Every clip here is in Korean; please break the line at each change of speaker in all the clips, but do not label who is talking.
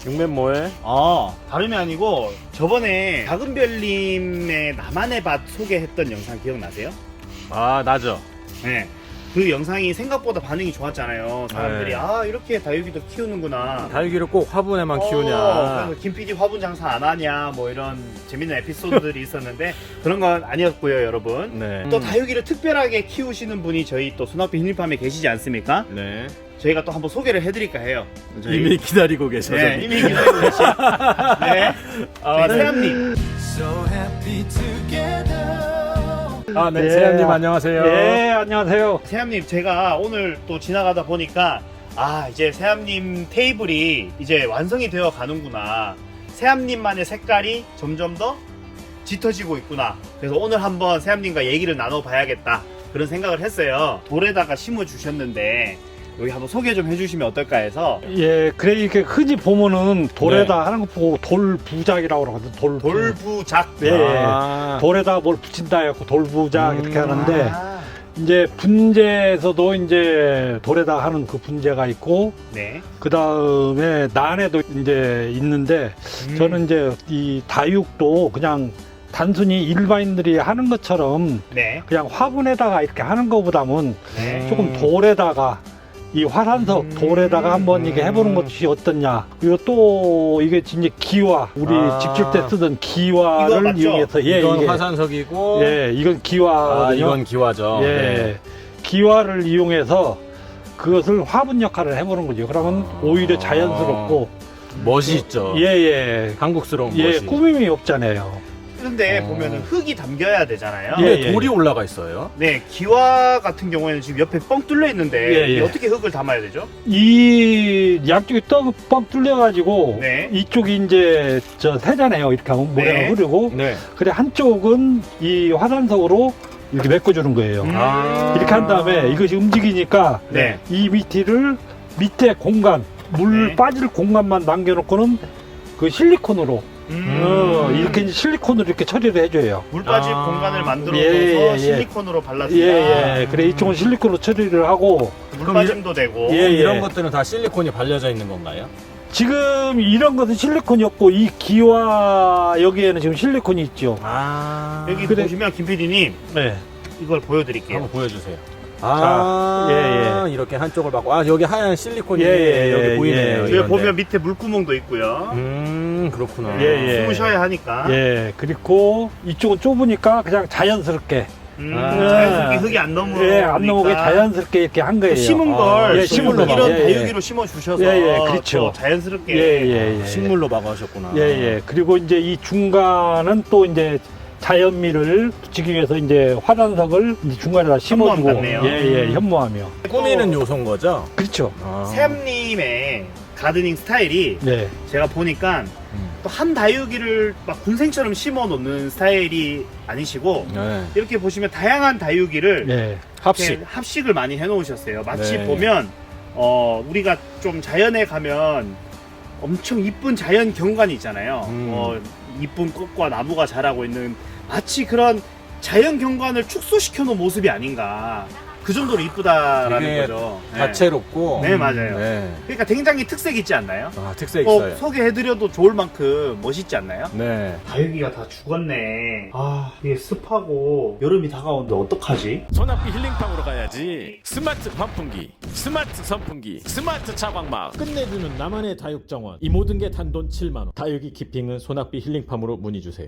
육맨 뭐해?
다름이 아니고 저번에 작은 별님의 나만의 밭 소개했던 영상 기억나세요?
아, 나죠.
네. 그 영상이 생각보다 반응이 좋았잖아요. 사람들이
네.
아 이렇게 다육이도 키우는구나.
다육이를 꼭 화분에만 키우냐.
그래서 김 PD 화분 장사 안 하냐 뭐 이런 재밌는 에피소드들이 있었는데 그런 건 아니었고요, 여러분.
네.
또 다육이를 특별하게 키우시는 분이 저희 또 소나피 힐링팜에 계시지 않습니까?
네.
저희가 또 한번 소개를 해드릴까 해요.
이미 기다리고 계셔서.
네, 이미 기다리고 계신 네, 저희 세암님.
네.
네.
세암님 안녕하세요.
네, 안녕하세요.
세암님, 제가 오늘 또 지나가다 보니까 이제 세암님 테이블이 이제 완성이 되어 가는구나. 세암님만의 색깔이 점점 더 짙어지고 있구나. 그래서 오늘 한번 세암님과 얘기를 나눠봐야겠다. 그런 생각을 했어요. 돌에다가 심어 주셨는데 여기 한번 소개 좀 해주시면 어떨까 해서.
예, 그래, 이렇게 흔히 보면은 돌에다 하는 거 보고 돌부작이라고 그러거든.
돌부작.
네, 돌에다 뭘 붙인다 해갖고 돌부작 이렇게 하는데, 이제 분재에서도 이제 돌에다 하는 그 분재가 있고,
네.
그 다음에 난에도 이제 있는데, 저는 이제 이 다육도 그냥 단순히 일반인들이 하는 것처럼
네.
그냥 화분에다가 이렇게 하는 것보다는
네.
조금 돌에다가 이 화산석 돌에다가 한번 이게 해보는 것이 어떻냐. 그리고 또 이게 진짜 기와, 우리 집질 때 쓰던
이거
기와를
맞죠?
이용해서,
이건
이게
화산석이고.
예, 이건 기와거든요.
이건 기와죠.
예,
네.
기와를 이용해서 그것을 화분 역할을 해보는 거죠. 그러면 오히려 자연스럽고
멋이 있죠.
예,
한국스러운
예,
멋이.
꾸밈이 없잖아요.
그런데 보면은 흙이 담겨야 되잖아요.
근데
예.
돌이 올라가 있어요.
네, 기와 같은 경우에는 지금 옆에 뻥 뚫려 있는데
예, 예.
이게 어떻게 흙을 담아야 되죠?
이 양쪽이 뻥 뚫려가지고
네.
이쪽이 이제 저 새잖아요. 이렇게 하면 모래가
네.
흐르고
네.
그래 한쪽은 이 화산석으로 이렇게 메꿔주는 거예요. 이렇게 한 다음에 이것이 움직이니까
네.
이 밑에 공간 물
네.
빠질 공간만 남겨놓고는 그 실리콘으로 이렇게 이제 실리콘으로 이렇게 처리를 해줘요.
물 빠질 공간을 만들어서
예.
실리콘으로 발라주면
예. 그래 이쪽은 실리콘으로 처리를 하고
물 빠짐도 되고.
예.
이런 것들은 다 실리콘이 발려져 있는 건가요?
지금 이런 것은 실리콘이 없고 이 기와 여기에는 지금 실리콘이 있죠.
여기
그래.
보시면 김 PD님
네.
이걸 보여드릴게요.
한번 보여주세요.
예.
이렇게 한쪽을 받고, 여기 하얀 실리콘이
예,
여기 보이네요.
예.
여기
이런데.
보면 밑에 물구멍도 있고요.
그렇구나.
예.
숨으셔야 하니까.
예. 그리고 이쪽은 좁으니까 그냥 자연스럽게
자연스럽게 흙이 안 넘어오니까.
안 넘어오게 자연스럽게 이렇게 한 거예요.
심은 걸
예, 식물로
이런
막.
다육이로 심어 주셔서
그렇죠.
또 자연스럽게.
예.
식물로 막아하셨구나.
예. 그리고 이제 이 중간은 또 이제 자연미를 붙이기 위해서 이제 화단석을 이제 중간에다 심어주고
현무암 같네요.
현무하며
꾸미는 요소인 거죠?
그렇죠.
샘님의 가드닝 스타일이
네.
제가 보니까 또 한 다육이를 막 군생처럼 심어 놓는 스타일이 아니시고
네.
이렇게 보시면 다양한 다육이를
네.
이렇게 합식을 많이 해 놓으셨어요. 마치
네.
보면 우리가 좀 자연에 가면 엄청 이쁜 자연 경관이 있잖아요. 이쁜 꽃과 나무가 자라고 있는 마치 그런 자연 경관을 축소시켜 놓은 모습이 아닌가. 그 정도로 이쁘다라는
되게
거죠. 네.
다채롭고.
네, 맞아요.
네.
그러니까 굉장히 특색 있지 않나요?
특색 있어요.
소개해드려도 좋을 만큼 멋있지 않나요?
네.
다육이가 다 죽었네. 이게 습하고 여름이 다가오는데 어떡하지?
소나피 힐링팜으로 가야지. 스마트 환풍기, 스마트 선풍기, 스마트 차광막 끝내주는 나만의 다육 정원. 이 모든 게 단돈 7만원. 다육이 키핑은 소나피 힐링팜으로 문의주세요.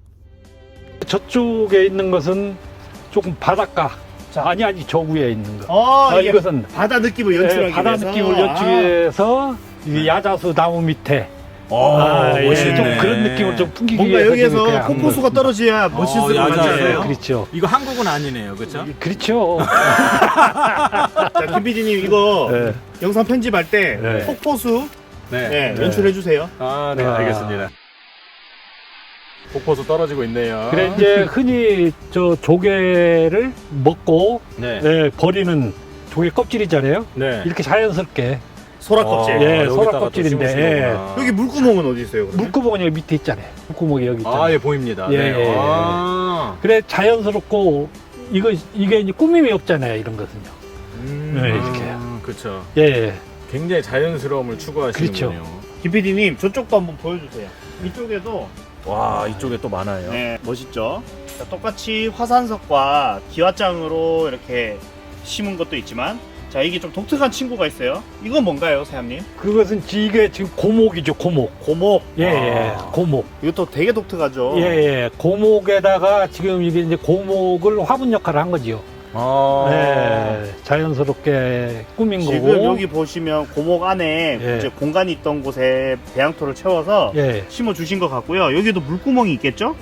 저쪽에 있는 것은 조금 바닷가.
자.
아니 저 위에 있는 거.
이게
이것은
바다 느낌을 연출하기
바다
위해서.
느낌을 연출하기 위해서 이 야자수 나무 밑에
멋있네.
좀 그런 느낌을 좀 풍기기
뭔가
위해서
여기에서
좀 이렇게 한
폭포수가
거.
떨어져야 멋있을 것
야자수.
같아요.
그렇죠.
이거 한국은 아니네요. 그렇죠?
그렇죠.
자, 김 PD님 이거
네.
영상 편집할 때
네.
폭포수
네.
연출해주세요.
네, 알겠습니다. 폭포수 떨어지고 있네요.
그래 이제 흔히 저 조개를 먹고
네.
버리는 조개 껍질이잖아요.
네.
이렇게 자연스럽게
소라껍질.
예,
여기다가
소라
또
껍질인데,
심으신 거구나.
여기 물구멍은 어디 있어요? 그러면?
물구멍이 여기 밑에 있잖아요. 물구멍이 여기 있잖아요.
예, 보입니다.
예,
네.
예. 그래 자연스럽고 이게 이제 꾸밈이 없잖아요. 이런 것은요. 네, 이렇게.
그렇죠.
예.
굉장히 자연스러움을 추구하시는군요.
그렇죠.
김 PD님 저쪽도 한번 보여주세요. 이쪽에도
와, 이쪽에 또 많아요.
네, 멋있죠. 자, 똑같이 화산석과 기와장으로 이렇게 심은 것도 있지만, 자, 이게 좀 독특한 친구가 있어요. 이건 뭔가요, 세암님?
그것은 이게 지금 고목이죠, 고목.
고목.
예, 예, 고목.
이것도 되게 독특하죠.
예, 예. 고목에다가 지금 이게 이제 고목을 화분 역할을 한 거지요. 예, 자연스럽게 꾸민
지금
거고.
여기 보시면 고목 안에
예.
이제 공간이 있던 곳에 배양토를 채워서
예,
심어 주신 것 같고요. 여기도 물구멍이 있겠죠?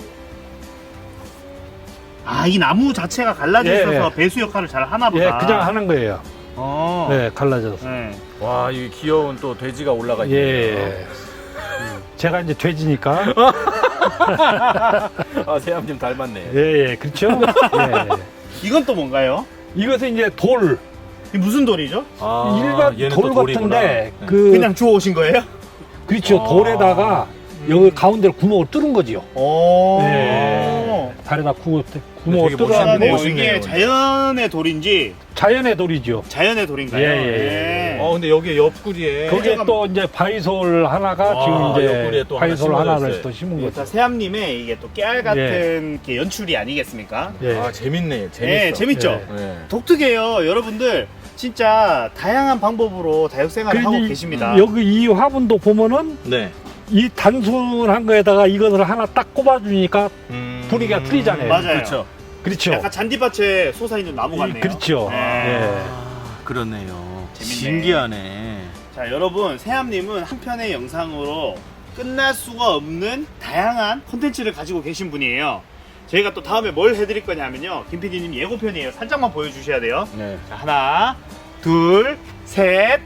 아, 이 나무 자체가 갈라져
예,
있어서
예.
배수 역할을 잘 하나 보다.
예, 그냥 하는 거예요.
어.
네, 갈라져서.
네.
와, 이 귀여운 또 돼지가 올라가 있네요.
예. 제가 이제 돼지니까.
아, 세암님 닮았네요.
예, 예, 그렇죠? 예.
이건 또 뭔가요?
이것은 이제 돌,
이 무슨 돌이죠?
아,
일반
얘는
돌
또 돌이구나.
같은데,
네.
그냥 주워오신 거예요?
그렇죠.
아.
돌에다가 여기 가운데를 구멍을 뚫은 거지요.
오.
네. 달에다 구멍을
되게
뚫어가지고
멋있네요.
멋있네요.
이게 자연의 돌인지
자연의 돌이죠.
자연의 돌인가요?
예, 예,
예.
근데 여기 옆구리에
거기에 또 이제 바이솔 하나가
아,
지금
옆구리에
이제
또 하나
바이솔
심어져
하나를
있어요.
또 심은
이게
거죠.
다 세암님의 이게 또 깨알 같은 이렇게 연출이 아니겠습니까?
예.
아, 재밌네. 재밌어.
예, 재밌죠?
예.
네.
독특해요. 여러분들 진짜 다양한 방법으로 다육생활을 하고
그리고
계십니다.
여기 이 화분도 보면은
네.
이 단순한 거에다가 이것을 하나 딱 꼽아주니까 분위기가 틀리잖아요.
맞아요.
그렇죠.
그렇죠.
약간 잔디밭에 솟아있는 나무 같네요.
그렇죠.
네.
예.
그렇네요.
재밌네.
신기하네.
자, 여러분, 세암님은 한 편의 영상으로 끝날 수가 없는 다양한 콘텐츠를 가지고 계신 분이에요. 저희가 또 다음에 뭘 해드릴 거냐면요, 김 PD님 예고편이에요. 살짝만 보여주셔야 돼요.
네.
자, 하나, 둘, 셋.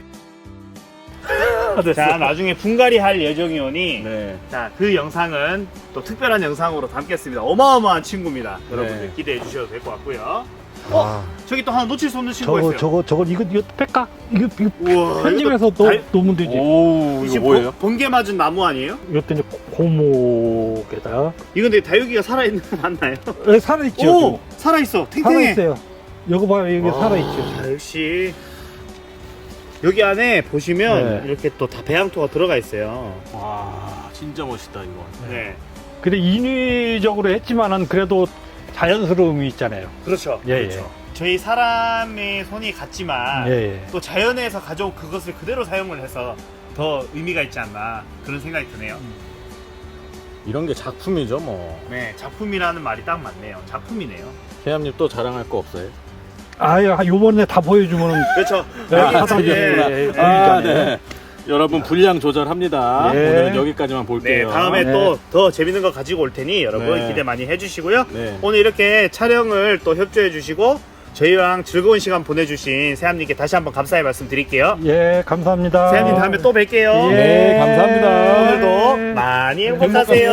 자, 나중에 분갈이 할 예정이오니
네.
자, 그 영상은 또 특별한 영상으로 담겠습니다. 어마어마한 친구입니다. 여러분들
네.
기대해 주셔도 될 것 같고요.
아,
저기 또 하나 놓칠 수 없는 친구가 있어요.
저거 이거 뺄까? 이거
우와,
편집해서
이것도 달-
놓으면 되지.
오, 이거
지금
뭐예요?
번개 맞은 나무 아니에요?
이것도 이제 고목에다
이건 근데 다육이가 살아있는 거 맞나요?
살아있죠.
오! 살아있어. 탱탱해.
살아있어요. 이거 봐요, 여기
와,
살아있죠.
역시 여기 안에 보시면
네.
이렇게 또 다 배양토가 들어가 있어요.
와, 진짜 멋있다, 이거.
네.
그래 인위적으로 했지만은 그래도 자연스러움이 있잖아요.
그렇죠.
예,
그렇죠. 저희 사람의 손이 같지만
예, 예.
또 자연에서 가져온 그것을 그대로 사용을 해서 더 의미가 있지 않나 그런 생각이 드네요.
이런 게 작품이죠, 뭐.
네, 작품이라는 말이 딱 맞네요. 작품이네요.
세암님 또 자랑할 거 없어요?
아유, 요번에 다 보여주면은
그렇죠.
네,
여기
하다
이제
보니까.
네.
아, 네. 여러분 분량 조절합니다.
네.
오늘은 여기까지만
네,
볼게요.
다음에
네.
또 더 재밌는 거 가지고 올 테니 여러분
네.
기대 많이 해주시고요.
네.
오늘 이렇게 촬영을 또 협조해 주시고 저희랑 즐거운 시간 보내주신 세암님께 다시 한번 감사의 말씀 드릴게요.
예, 감사합니다.
세암님 다음에 또 뵐게요.
예.
네, 감사합니다.
오늘도 많이 행복하세요.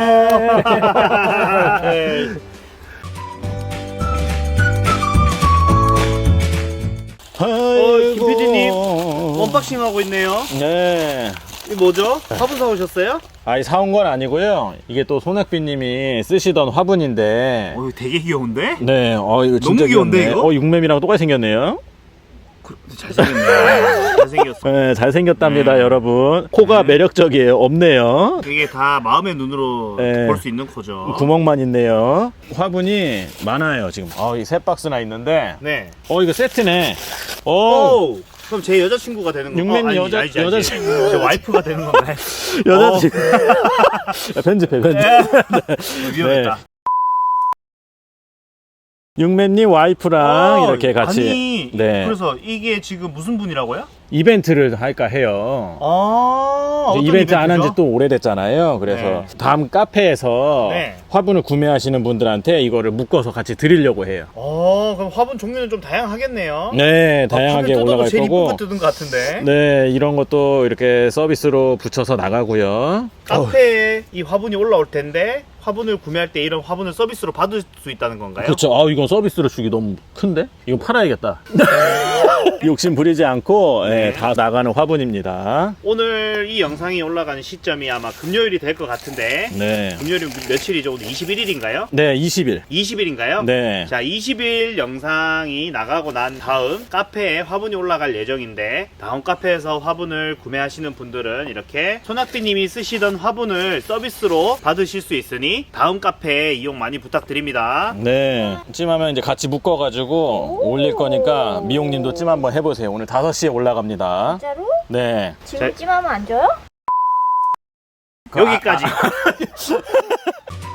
네. 김 PD님 언박싱 하고 있네요.
네.
이 뭐죠? 화분 사오셨어요?
아니, 사온 건 아니고요. 이게 또 손학비님이 쓰시던 화분인데.
되게 귀여운데?
네, 이거 진짜
너무 귀여운데,
귀엽네.
이거?
육맴이랑 똑같이 생겼네요.
잘생겼네. 잘생겼어.
네, 잘생겼답니다,
네.
여러분. 코가
네.
매력적이에요. 없네요.
이게 다 마음의 눈으로
네.
볼 수 있는 코죠.
구멍만 있네요. 화분이 많아요, 지금. 이 세 박스나 있는데.
네.
이거 세트네.
오! 그럼 제 여자친구가 되는 건가요?
육맨
아니, 알지.
여자친구.
제 와이프가 되는 건가요?
여자친구. 편집해, 편집.
위험했다.
육맨님 와이프랑 이렇게 같이.
아니,
네.
그래서 이게 지금 무슨 분이라고요?
이벤트를 할까 해요.
아,
이제 이벤트 안 한 지 또 오래됐잖아요. 그래서
네.
다음 카페에서
네.
화분을 구매하시는 분들한테 이거를 묶어서 같이 드리려고 해요.
그럼 화분 종류는 좀 다양하겠네요.
네, 다양하게 올라갈
제일 이쁜
거고.
거 뜯은 것 같은데.
네, 이런 것도 이렇게 서비스로 붙여서 나가고요.
카페에 이 화분이 올라올 텐데 화분을 구매할 때 이런 화분을 서비스로 받을 수 있다는 건가요?
그렇죠. 이건 서비스로 주기 너무 큰데? 이거 팔아야겠다. 욕심 부리지 않고
네.
예, 다 나가는 화분입니다.
오늘 이 영상이 올라가는 시점이 아마 금요일이 될 것 같은데
네.
금요일이 며칠이죠? 오늘 21일인가요?
네, 20일.
20일인가요?
네.
자, 20일 영상이 나가고 난 다음 카페에 화분이 올라갈 예정인데 다음 카페에서 화분을 구매하시는 분들은 이렇게 소낙비님이 쓰시던 화분을 서비스로 받으실 수 있으니 다음 카페에 이용 많이 부탁드립니다.
네. 찜하면 이제 같이 묶어가지고 올릴 거니까 미용님도 찜 한번 해보세요. 오늘 5시에 올라갑니다.
진짜로?
네.
지금 찜하면 안 줘요?
여기까지.